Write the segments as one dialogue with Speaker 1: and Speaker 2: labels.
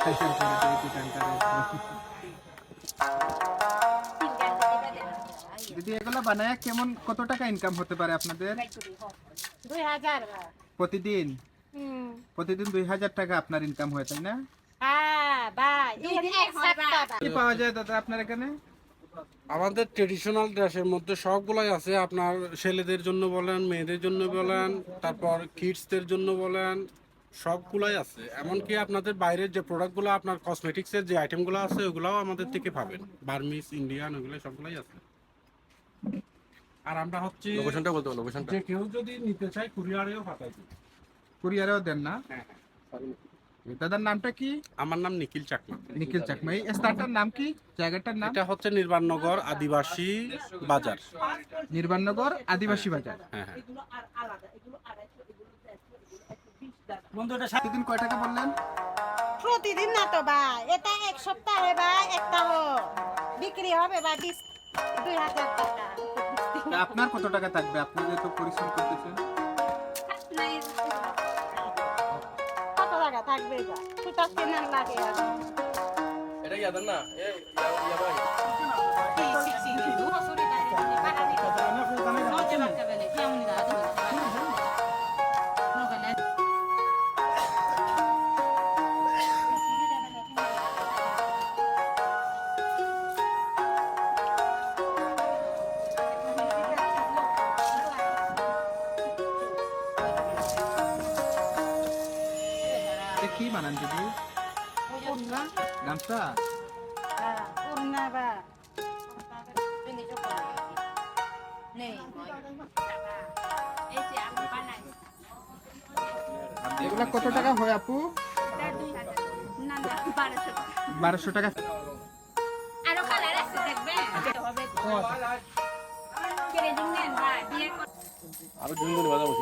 Speaker 1: দিদি এগুলো বানায় কেমন কত টাকা ইনকাম হতে পারে আপনাদের?
Speaker 2: 2000
Speaker 1: প্রতিদিন? প্রতিদিন 2000 টাকা আপনার ইনকাম হয়, তাই না?
Speaker 2: হ্যাঁ ভাই,
Speaker 1: কি পাওয়া যায় দাদা আপনার এখানে?
Speaker 3: আমাদের ট্রেডিশনাল ড্রেসের মধ্যে সবগুলাই আছে। আপনার ছেলেদের জন্য বলেন, মেয়েদের জন্য বলেন, তারপর কিডসদের জন্য বলেন, সবগুলাই আছে। এমনকি আপনাদের বাইরের যে প্রোডাক্টগুলো, আপনার কসমেটিক্সের যে আইটেমগুলো আছে ওগুলাও আমাদের থেকে পাবেন। বার্মিস, ইন্ডিয়ান, ওগুলো সবগুলাই আছে। আর আমরা হচ্ছে
Speaker 4: লোকেশনটা বলতে বলো, লোকেশনটা।
Speaker 3: যে কেউ যদি নিতে চায় কুরিয়ারেও পাঠাই দিই।
Speaker 1: কুরিয়ারেও দেন না?
Speaker 3: হ্যাঁ।
Speaker 1: দাদার নামটা কি?
Speaker 3: আমার নাম নিখিল চাকমা।
Speaker 1: নিখিল চাকমা। এই স্থানটার নাম কি, জায়গাটার নাম?
Speaker 3: এটা হচ্ছে নির্বাণনগর আদিবাসী বাজার।
Speaker 1: নির্বাণনগর আদিবাসী বাজার।
Speaker 3: হ্যাঁ।
Speaker 1: প্রতিদিন কয় টাকা বললেন?
Speaker 2: প্রতিদিন না তো ভাই, এটা এক সপ্তাহে ভাই একটা বিক্রি হবে ভাই 2000 টাকা।
Speaker 1: আপনার কত টাকা থাকবে? আপনি যেহেতু পরিশ্রম করতেছেন।
Speaker 2: কত টাকা থাকবে ভাই? সুতা কেনার লাগে আর
Speaker 4: এটা ইয়াদার না, এই ইয়া ভাই।
Speaker 1: কি বানান দিদি? গামছা?
Speaker 2: ওড়না বা
Speaker 1: এগুলা কত টাকা হয় আপু? 1200 টাকা।
Speaker 5: আরো কালার আছে দেখবেন কেড়ে দিন নেন ভাই বিয়ে
Speaker 4: আরো দুজন বাজা বসিল।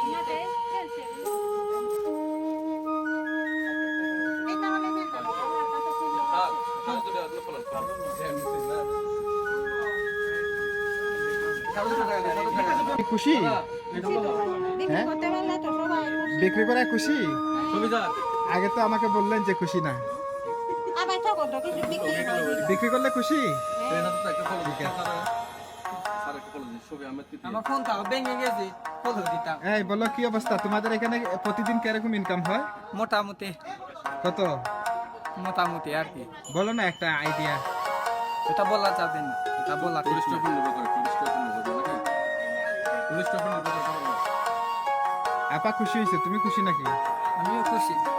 Speaker 1: খুশি?
Speaker 2: বিক্রি করতে পারলে তো সবাই
Speaker 1: বিক্রি করে খুশি? আগে তো আমাকে বললেন যে খুশি না।
Speaker 2: আবার তো কত কিছু
Speaker 1: বিক্রি করলে খুশি?
Speaker 6: আমার ফোনটা ভেঙে গেছে, ফলো দিতাম।
Speaker 1: এই বলো কি অবস্থা তোমাদের এখানে? প্রতিদিন কিরকম ইনকাম হয়?
Speaker 6: মোটামুটি
Speaker 1: কত?
Speaker 6: মোটামুটি আর কি,
Speaker 1: বলো না একটা আইডিয়া।
Speaker 6: এটা বলা যাবে না, এটা বলা ঠিক না।
Speaker 1: আপা খুশি হয়েছে, তুমি খুশি নাকি?
Speaker 6: আমিও খুশি।